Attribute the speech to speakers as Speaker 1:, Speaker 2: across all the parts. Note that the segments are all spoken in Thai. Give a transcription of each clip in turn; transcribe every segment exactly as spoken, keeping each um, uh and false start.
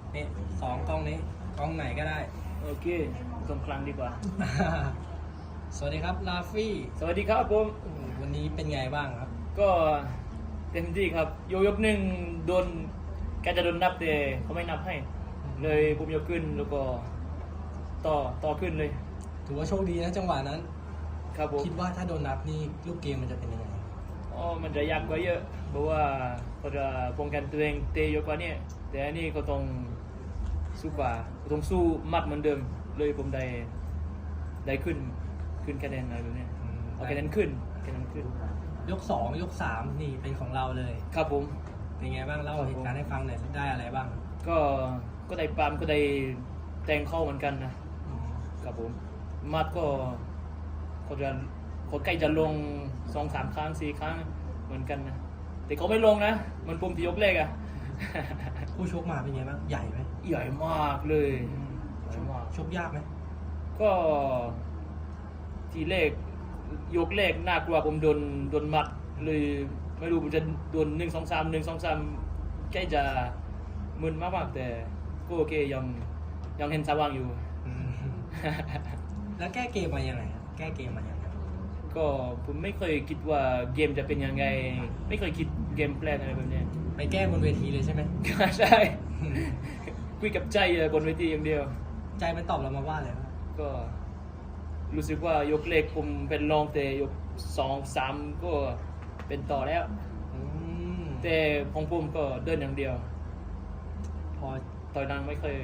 Speaker 1: นี่สองกล้องนี้กล้องไหนก็ได้
Speaker 2: โอเคตรงกลางดีกว่า
Speaker 1: สวัสดีครับลาฟี่
Speaker 2: สวัสดีครับผม
Speaker 1: วันนี้เป็นไงบ้างครับ
Speaker 2: ก็เต็มที่ครับยกยกหนึ่งโดนแกจะโดนนับแต่เขาไม่นับให้ เลยผมยกขึ้นแล้วก็ต่อต่อขึ้นเลย
Speaker 1: ถือว่าโชคดีนะจังหวะนั้น
Speaker 2: ครับผม
Speaker 1: คิดว่าถ้าโดนนับนี่ลูกเกมมันจะเป็นยังไง
Speaker 2: อ๋อมันจะยากกว่าเยอะเพราะว่าเขาจะป้องกันตัวเองเตะเยอะกว่านี้แต่อันนี้เขาต้องสู้กว่าเขาต้องสู้มัดเหมือนเดิมเลยผมได้ได้ขึ้นขึ้นคะแนนอะไรแบบนี้เอาคะแนนขึ้นคะแนนขึ้น
Speaker 1: ยกสองยกสามนี่เป็นของเราเลย
Speaker 2: ครับผม
Speaker 1: เป็นไงบ้างเล่าเหตุการณ์ให้ฟังหน่อยได้อะไรบ้าง
Speaker 2: ก็ก็ได้ปามก็ได้แต่งเข้าเหมือนกันนะ
Speaker 1: อืม
Speaker 2: ครับผมมัดก็เขาจะเขาใกล้จะลงสองสามครั้งสี่ครั้งเหมือนกันนะแต่เขาไม่ลงนะเหมันปุ่มที่ยกเลขอะ
Speaker 1: ผู้ชกมาเป็นไงบ้างใหญ่ไหม
Speaker 2: ใหญ่มากเลยใหญ่มาก
Speaker 1: ชกยากไหม
Speaker 2: ก็ทีเลขยกเลขน่ากลัวผมโดนโดนมัดเลยไม่รู้ผมจะโดนหนึ่งสองสามหนึ่งสองสามใกล้จะมึนมากๆแต่ก็โอเคยังยังเห็นสว่างอยู่
Speaker 1: อืมแล้วแก้เกมมายังไงครับแก้เกมมายังไง
Speaker 2: ก็ผมไม่เคยคิดว่าเกมจะเป็นยังไง ไม่เคยคิดเกมแพลนอะไรแบบเนี้ย
Speaker 1: ไปแก้บนเวทีเลยใช่ไหม
Speaker 2: ใช่คุยกับใจบนเวทีอย่างเดียว
Speaker 1: ใจมันตอบเรามาว่าอะไรบ้าง
Speaker 2: ก็รู้สึกว่ายกเล็กผมเป็นรองแต่ยกสองสามก็เป็นต่อแล้ว
Speaker 1: อืม
Speaker 2: แต่ของผมก็เดินอย่างเดียว
Speaker 1: พอ
Speaker 2: ต่อยดังไม่เคย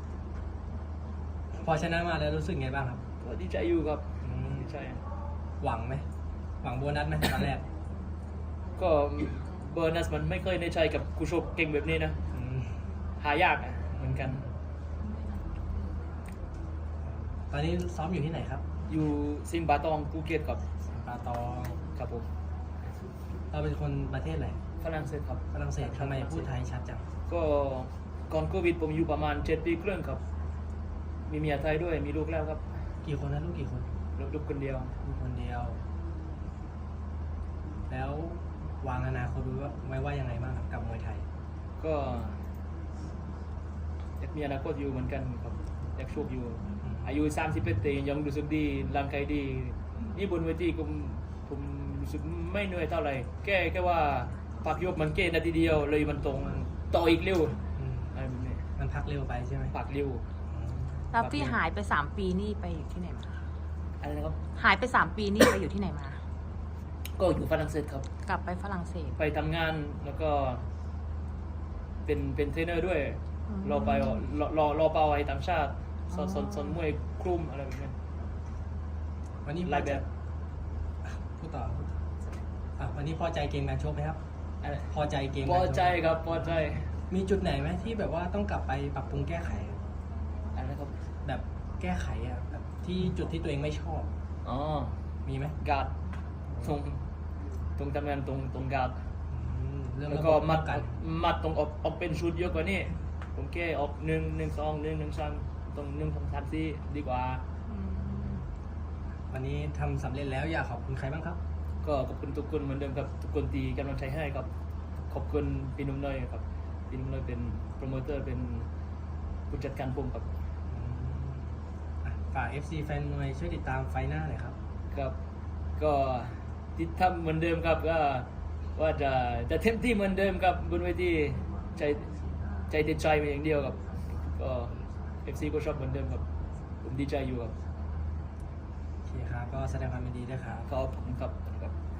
Speaker 1: พอชนะมาแล้วรู้สึกไงบ้างครับ
Speaker 2: ก็ดีใจอยู่ครับ
Speaker 1: อืม
Speaker 2: ดีใจ
Speaker 1: หวังไหมหวังโบนัสไหมตอนแรก
Speaker 2: ก็เบอร์นัสมันไม่เคยในใจกับกูชกเก่งแบบนี้นะ
Speaker 1: อืม
Speaker 2: หายากอะเหมือนกัน
Speaker 1: ตอนนี้ซ้อมอยู่ที่ไหนครับ
Speaker 2: อยู่ซิมบาตองภูเก็ตกับ
Speaker 1: ปาตอง
Speaker 2: ครับผม
Speaker 1: เราเป็นคนประเทศอะไร
Speaker 2: ฝรั่งเศสครับ
Speaker 1: ฝรั่งเศสทำไมพูดไทยชัดจัง
Speaker 2: ก็ก่อนโควิดผมอยู่ประมาณเจ็ดปีครึ่งครับ มีเมียไทยด้วยมีลูกแล้วครับ
Speaker 1: กี่คนนะลูกกี่คน
Speaker 2: ลูกลูกคนเดียว
Speaker 1: ลูกคนเดียว แล้ววางอนาคตไว้ว่าไว้ว่ายังไงบ้างครับกับมวยไทย
Speaker 2: ก็อยากมีอนาคตอยู่เหมือนกันครับอยากโชคอยู่ อายุสามสิบเอ็ดปียังรู้สึกดีร่างกายดี นี่บนเวทีผมผมรู้สึกไม่เหนื่อยเท่าไหร่แค่แค่ว่าพักยกมันเกณฑ์นาทีเดียวเลยมันตรงต่ออีกเร็ว
Speaker 1: อืม
Speaker 2: อะไรแบบนี้
Speaker 1: มันพักเร็วไปใช่ไหม
Speaker 2: ปักเร็ว
Speaker 1: อืม
Speaker 3: แล้วพี่หายไปสามปีนี่ไปอยู่ที่ไหนมา
Speaker 2: อะไรนะครับ
Speaker 3: หายไปสามปีนี่ไปอยู่ที่ไหนมา
Speaker 2: ก็อยู่ฝรั่งเศสครับ
Speaker 3: กลับไปฝรั่งเศส
Speaker 2: ไปทำงานแล้วก็เป็นเป็นเทรนเนอร์ด้วย
Speaker 3: อืม
Speaker 2: รอไปรอรอรอเปาไอ้ต่างชาติสอนสอนสอนมวยคลุมอะไรแบบนี้
Speaker 1: วันนี้
Speaker 2: หลายแบบ
Speaker 1: พูดต่อพูดต่ออ่ะวันนี้พอใจเกมการชกไหมครับ
Speaker 2: อะไร
Speaker 1: พอใจเกม
Speaker 2: พ
Speaker 1: การ
Speaker 2: อ
Speaker 1: ชก
Speaker 2: ใจครับพอใจ
Speaker 1: มีจุดไหนไหมที่แบบว่าต้องกลับไปปรับปรุงแก้ไข
Speaker 2: อะไรนะครับ
Speaker 1: แบบแก้ไขอะแบบที่จุดที่ตัวเองไม่ชอบ
Speaker 2: อ๋อ
Speaker 1: มีไหม
Speaker 2: การ์ดตรงตรงทำงานตรงตรงการ์ด
Speaker 1: อืมเรื่อง
Speaker 2: แล้ว
Speaker 1: ระ
Speaker 2: ก็
Speaker 1: บบ
Speaker 2: มัด
Speaker 1: กัน
Speaker 2: มัดตรงออกออกเป็นชุดเยอะกว่านี้ผมแค่ออกหนึ่งหนึ่งสองหนึ่งหนึ่งสามตรงหนึ่งสองสามสี่ดีกว่า
Speaker 1: วันนี้ทำสำเร็จแล้วอยากขอบคุณใครบ้างครับ
Speaker 2: ก็ขอบคุณทุกคนเหมือนเดิมครับทุกคนตีกำลังใจให้ครับขอบคุณพี่นุ่มน้อยครับพี่นุ่มน้อยเป็นโปรโมเตอร์เป็นผู้จัดการผมครับ
Speaker 1: อืมอ่ะฝาก เอฟ ซี แฟนมวยช่วยติดตามไฟหน้าหน่อยครับ
Speaker 2: ครับก็ติดทำเหมือนเดิมครับก็ว่าจะจะเต็มที่เหมือนเดิมครับบนเวทีใจใจเต็มใจมาอย่างเดียวครับก็ เอฟ ซี ก็ชอบเหมือนเดิมครับผมดีใจอยู่ครับ
Speaker 1: โอเคครับ ก็แสดงความยินดีด้วยครับ
Speaker 2: ขอบคุณครับครับ